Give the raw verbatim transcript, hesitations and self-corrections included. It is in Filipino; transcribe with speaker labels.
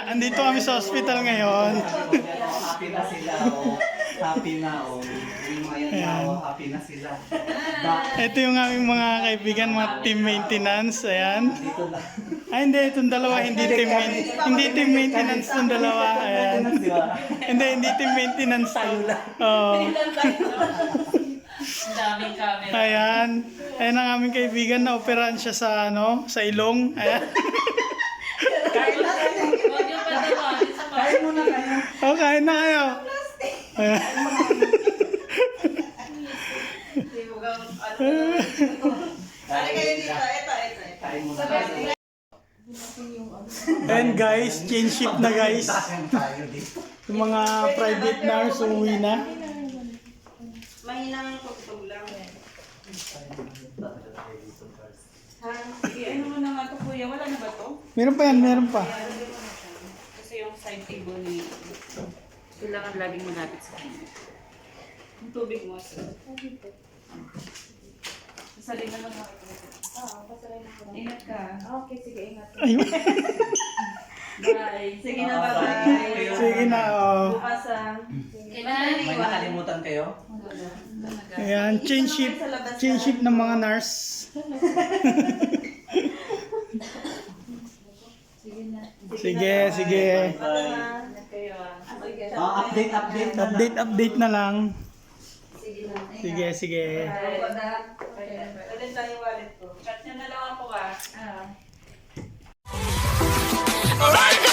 Speaker 1: andito kami sa hospital ngayon.
Speaker 2: Happy na sila, oh. Happy na, oh. Yung mga yan na, oh. Happy na sila. Ba-
Speaker 1: Ito yung aming mga kaibigan, mga team maintenance. Ayan.
Speaker 2: Dito na.
Speaker 1: Ay, hindi. Itong dalawa, hindi team, main- hindi team maintenance itong dalawa. Ayan.
Speaker 2: Di ba?
Speaker 1: Hindi, hindi team maintenance.
Speaker 2: Tayo lang.
Speaker 1: Oo.
Speaker 3: Ang daming camera.
Speaker 1: Ayan. Ayan ang aming kaibigan na operahan siya sa, ano, sa ilong. Ayan.
Speaker 2: Kain na kayo.
Speaker 3: Huwag yung patawarin sa mga.
Speaker 2: Kain muna kayo.
Speaker 1: O, kain na kayo. Ayan.
Speaker 2: Kain kayo dito. Ito, ito. Kain muna kayo.
Speaker 1: And guys, change shift na guys.
Speaker 2: Kain tayo dito.
Speaker 1: Yung mga private nurse umuwi na.
Speaker 4: Mahinang pagtog lang. Ha? Sige, ano mo naman ito kuya? Wala na ba ito?
Speaker 1: Meron pa yan, meron pa.
Speaker 4: Kasi yung side table ni... Kailangan laging malapit sa kanya. Yung tubig mo. Sasalin na lang ako.
Speaker 5: Oo, pasaray na ko lang.
Speaker 4: Ingat ka.
Speaker 5: Okay, sige, ingat.
Speaker 1: Ayun.
Speaker 4: Bye. Sige na,
Speaker 2: Ah,
Speaker 4: bye-bye.
Speaker 2: bye.
Speaker 1: Sige na, oh.
Speaker 4: Bukas ah.
Speaker 3: Kailangan
Speaker 2: May nakalimutan kayo?
Speaker 1: Ayan, change shift. Change shift ng mga nurse. Sige, sige.
Speaker 2: Bye.
Speaker 4: Ingat kayo ah.
Speaker 2: Ah, update, update na lang.
Speaker 1: Update, update na lang.
Speaker 5: Sige na.
Speaker 1: Sige, sige.
Speaker 4: Bye. Ulit lang yung wallet ko. Chat niya na lang ako ah.
Speaker 5: Ah.